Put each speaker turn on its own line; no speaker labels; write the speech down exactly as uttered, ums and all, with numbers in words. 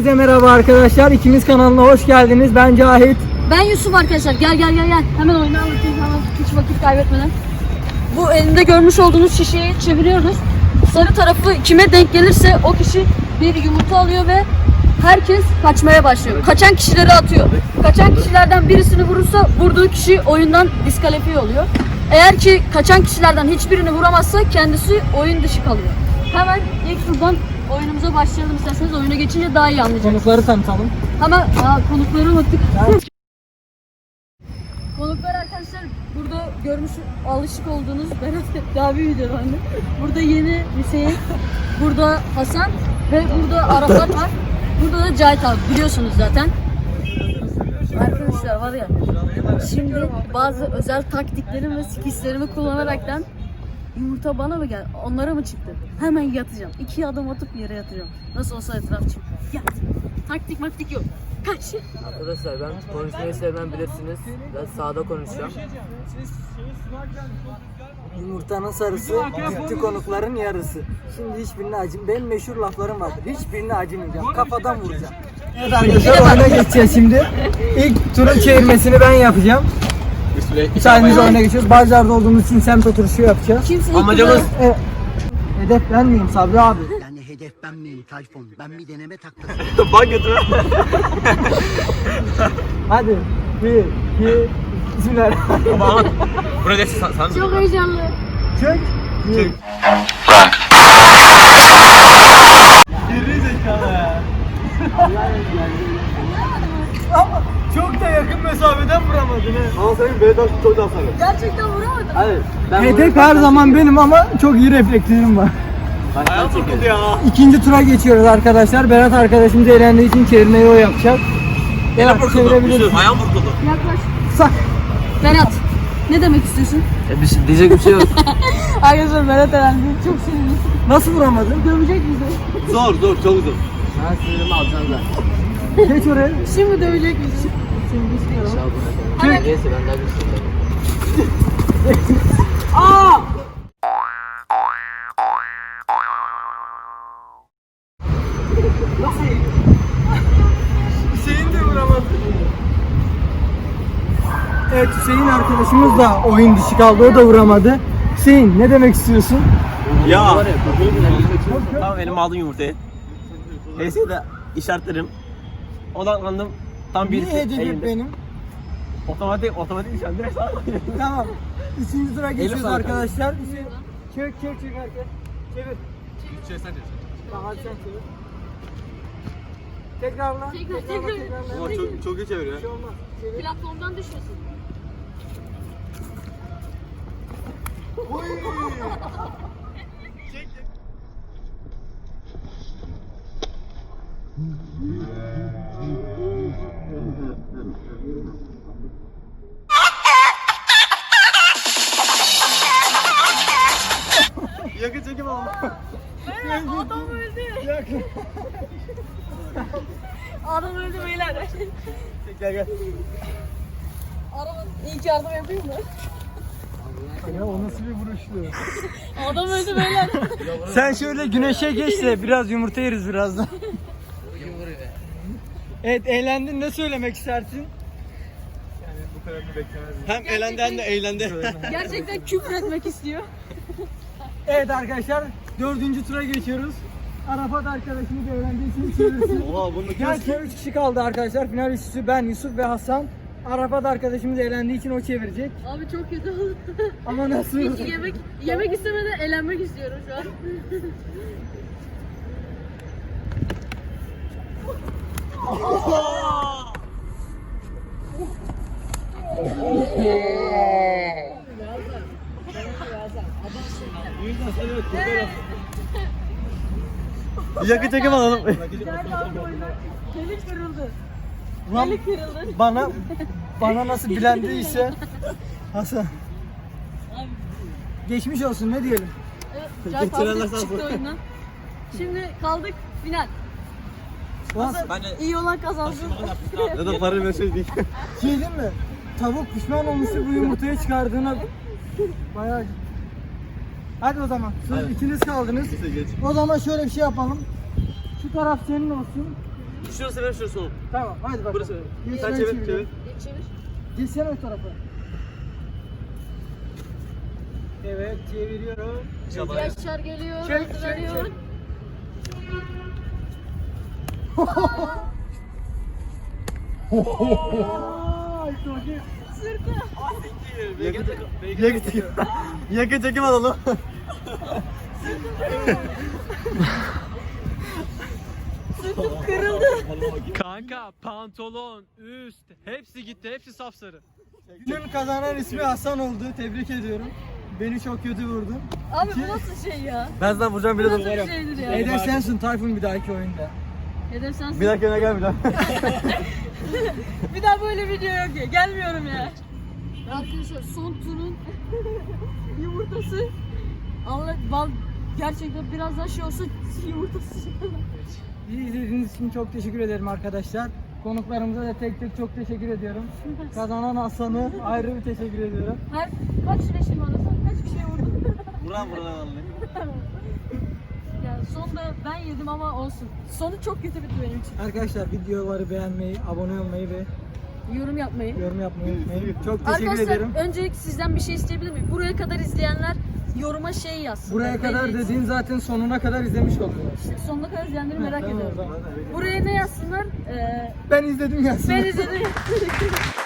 Herkese merhaba arkadaşlar. İkimiz kanalına hoş geldiniz. Ben Cahit.
Ben Yusuf arkadaşlar. Gel gel gel gel. Hemen oyunu anlatayım. Hemen hiç vakit kaybetmeden. Bu elinde görmüş olduğunuz şişeyi çeviriyoruz. Sarı tarafı kime denk gelirse o kişi bir yumurta alıyor ve herkes kaçmaya başlıyor. Kaçan kişileri atıyor. Kaçan kişilerden birisini vurursa vurduğu kişi oyundan diskalifiye oluyor. Eğer ki kaçan kişilerden hiçbirini vuramazsa kendisi oyun dışı kalıyor. Hemen ilk turdan oyunumuza başlayalım isterseniz. Oyuna geçince daha iyi anlayacaksınız.
Konukları tanıtalım.
Hemen aa, konukları unuttuk. Konuklar arkadaşlar burada görmüş alışık olduğunuz Berat daha bir videoda anne. Burada yeni Hüseyin, burada Hasan ve burada Arafat var. Burada da Cahit abi biliyorsunuz zaten. Arkadaşlar var ya şimdi bazı özel taktiklerim ve skillslerimi kullanaraktan yumurta bana mı geldi? Onlara mı çıktı? Hemen yatacağım. İki adım atıp yere yatacağım. Nasıl olsa etraf çık. Yat. Taktik maktik yok. Kaç.
Arkadaşlar ben konuşmayı sevmem bilirsiniz. Ben sağda konuşacağım.
Yumurtanın sarısı, gitti konukların yarısı. Şimdi hiçbirine acım. Benim meşhur laflarım vardır. Hiçbirine acımayacağım. Kafadan vuracağım. Evet arkadaşlar oyuna geçeceğiz şimdi. İlk turun çevirmesini ben yapacağım. Müsaadenizle oyuna geçiyoruz. Barcar'da olduğumuz için semt oturuşu yapacağız.
Kimse ilk
Amacımız
turda-
Evet. Hedef ben miyim Sabri abi?
Yani hedef ben miyim Tayfun? Ben bir deneme taktım.
bak götürme.
Hadi. Bir, iki, bismillahirrahmanirrahim.
Ama ama burada sen sen
Çok heyecanlı.
Çök. Bir. Ama çok da yakın mesafeden vuramadın he.
Ama senin Vedat çok daha sarı.
Gerçekten vuramadım.
Hayır.
Hedef her zaman benim ama çok iyi reflekslerim var.
Ayağım vurdu ya.
İkinci tura geçiyoruz arkadaşlar. Berat arkadaşımız eğlendiği için çevirmeyi o yapacak.
Ayağım
Evet,
vurdu.
çevirebilirsin.
Ayağım vurdu.
Yaklaş.
Sak.
Berat. Ne demek istiyorsun?
E, bir şey, diyecek bir şey yok.
Arkadaşlar Berat elendi. Çok sinirli.
Nasıl vuramadın?
Dövecek bizi.
Zor zor çok zor. Ben sinirimi alacağım zaten.
Geç oraya.
Şimdi dövecek bizi. Şimdi istiyorum. Hemen
Neyse ben daha güçlüyüm.
Hüseyin de vuramadı. Evet, Hüseyin arkadaşımız da oyun dışı kaldı. O da vuramadı. Hüseyin ne demek istiyorsun?
Ya. Tamam elim aldım yumurtayı. Neyse de işaretlerim. Odaklandım. Tam
Niye
birisi
hedef
elimde.
benim?
Otomatik otomatik işaret. Direkt sağa koyuyorum.
Tamam. Üçüncü tura geçiyoruz
sana
arkadaşlar. Hüseyin. Çök çök çök herkes. Çevir. Tamam hadi sen çevir. Tekrarla.
Tekrar,
Tekrarla,
tekrar.
tekrarla.
Ama çok çok iyi çeviriyor.
Bir şey olmaz. Çevir.
platformdan düşmesin.
Yakın çekim aldım.
Adam öldü. Adam öldü beyler.
Gel gel.
Araba ilk yardım yapayım mı?
Ya o nasıl bir vuruştu?
Adam öldü beyler.
Sen şöyle güneşe geç de biraz yumurta yeriz birazdan. Evet, eğlendin, ne söylemek istersin?
Hem elendi hem de eğlendi.
Gerçekten küfür etmek istiyor.
Evet arkadaşlar, dördüncü tura geçiyoruz. Arafat arkadaşımız öğrendiği için çevirsin.
Oha bunu
Gerçekten üç kişi kaldı arkadaşlar. Final üçlüsü ben, Yusuf ve Hasan. Arafat arkadaşımız eğlendiği için o çevirecek.
Abi çok kötü oldu.
Ama nasıl?
Hiç yemek yemek istemeden eğlenmek istiyorum şu an.
yakın çekim alalım.
Kemik kırıldı.
Lan
Kemik kırıldı.
bana bana nasıl bilendiyse Hasan. Geçmiş olsun, ne diyelim?
Evet, Cahit abi çıktı oyundan. Şimdi kaldık final.
Lan
Ben de
İyi olan kazansın.
ya da para mesaj değil.
şey diyeyim mi? Tavuk pişman olmuştu bu yumurtayı çıkardığına. Bayağı. Hadi o zaman. Siz ikiniz kaldınız.
Neyse geç.
O zaman şöyle bir şey yapalım. Şu taraf senin olsun.
Şurası ver şurası oğlum.
Tamam hadi bakalım.
Burası.
Geç,
Sen
ben
çevir
çeviriyorum.
çevir.
Geç çevir.
Geçsene o tarafa. Evet çeviriyorum.
Yaşar geliyor.
Çek, çek,
hazırlanıyor.
çek.
Yakın çekim. Yakın çekim alalım.
Kanka pantolon, üst hepsi gitti. Hepsi sapsarı.
Günün kazanan ismi Hasan oldu. Tebrik ediyorum. Beni çok kötü vurdun.
Abi bu nasıl şey ya?
Ben sana vuracağım
Bu
bile
nasıl
de.
bir şeydir ya?
Hedef sensin Tayfun bir dahaki oyunda.
Hedef sensin.
Bir dakika gel bir daha.
Bir daha böyle video yok ya. Gelmiyorum ya. Arkadaşlar son turun yumurtası. Allah bal gerçekten biraz daha şey olsa yumurtası.
Bizi izlediğiniz için çok teşekkür ederim arkadaşlar. Konuklarımıza da tek tek çok teşekkür ediyorum. Kazanan Hasan'ı ayrı bir teşekkür ediyorum.
Her kaç leşim anasın? Kaç kişiye vurdun?
Buran buran vallahi.
Ya sonda ben yedim ama olsun. Sonu çok kötü bitti benim için.
Arkadaşlar videoları beğenmeyi, abone olmayı ve
Yorum yapmayı.
yorum yapmayı unutmayın. Çok teşekkür
Arkadaşlar
ederim.
öncelikle sizden bir şey isteyebilir miyim? Buraya kadar izleyenler yoruma şey yazsın.
Buraya kadar
Belli-
dediğin zaten sonuna kadar izlemiş oluyor.
İşte sonuna kadar izleyenleri merak
Tamam, o
ediyorum.
zaman.
Buraya ne yazsınlar? Ee,
Ben izledim yazsın.
ben izledim.